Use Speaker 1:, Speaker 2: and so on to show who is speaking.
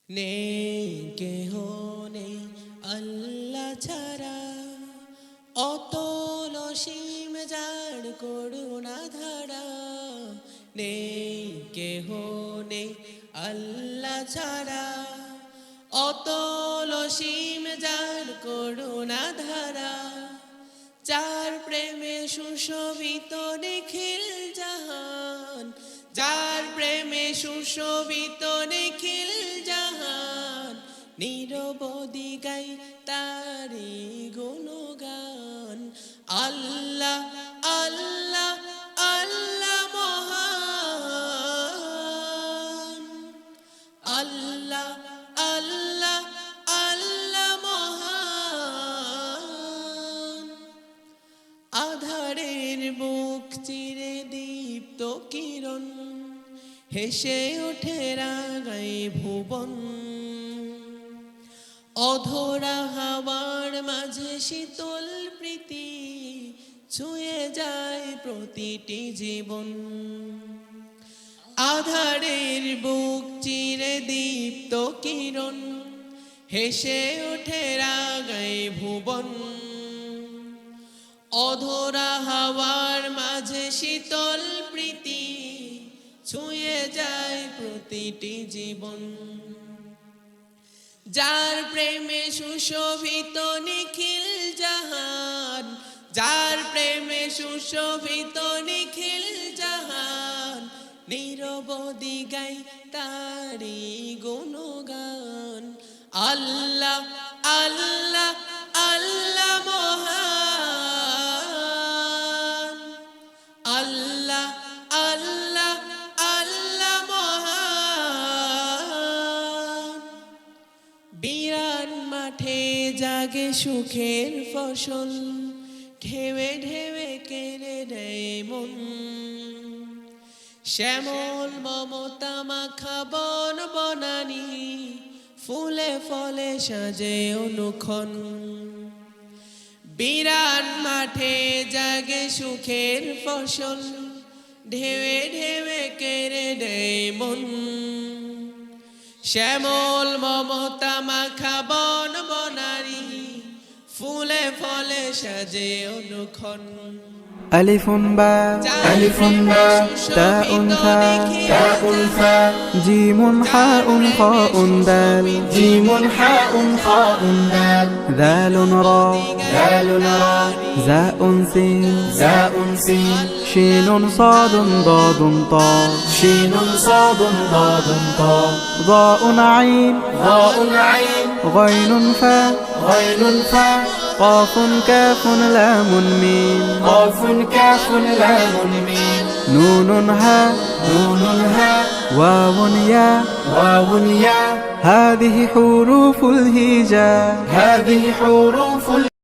Speaker 1: নেই কেহ নেই আল্লাহ ছাড়া, অতল অসীম যার করুণা ধারা। নেই কেহ নেই আল্লাহ ছাড়া, অতল অসীম যার করুণা ধারা। যার প্রেমে সুশোভিত নিখিল জাহান, যার প্রেমে সুশোভিত নিখিল জাহান। নিরবধি গাই তারি গুণগান। আল্লাহ আল্লাহ আল্লাহ মহান, আল্লাহ আল্লাহ আল্লাহ মহান। আধারের বুক চিরে দীপ্ত কিরণ, হেসে ওঠে রাগাই ভুবন। অধরা হাওয়ার মাঝে শীতল প্রীতি, ছুঁয়ে যায় প্রতিটি জীবন। আধারের বুক চিরে দীপ্ত কিরণ, হেসে ওঠে রাগাই ভুবন। অধরা হাওয়ার মাঝে শীতল প্রীতি, ছুঁয়ে যায় প্রতিটি জীবন। যার প্রেমে সুশোভিত নিখিল জাহান, যার প্রেমে সুশোভিত নিখিল জাহান। নিরবধি গাই তারি গুণগান। আল্লাহ আল্লাহ আল্লাহ মহান, আল্লাহ আল্লাহ আল্লাহ মহান। বিরান মাঠে জাগে সুখের ফসল, ঢেউে ঢেউে কেড়ে নেয় মন। শ্যামল মমতা মাখা বন বনানি, ফুলে ফলে সাজে অনুক্ষণ। বিরান মাঠে জাগে সুখের ফসল, ঢেউে ঢেউে কেড়ে নেয় মন। শ্যামল মমতা মাখা বন বনানি, ফুলে ফলে সাজে অনুক্ষণ।
Speaker 2: ألف باء
Speaker 1: ألف باء
Speaker 2: تاء ثاء جيم حاء خاء دال
Speaker 3: جيم حاء خاء دال
Speaker 2: ذال را زاء سين
Speaker 3: سين
Speaker 2: شين صاد ضاد طاء
Speaker 3: شين صاد ضاد طاء
Speaker 2: ضاء عين
Speaker 3: عين
Speaker 2: غين فاء
Speaker 3: غين فاء
Speaker 2: قاف كاف لام ميم
Speaker 3: قاف كاف لام ميم
Speaker 2: نون هاء واو ياء
Speaker 3: واو ياء
Speaker 2: هذه حروف الهجاء
Speaker 3: هذه حروف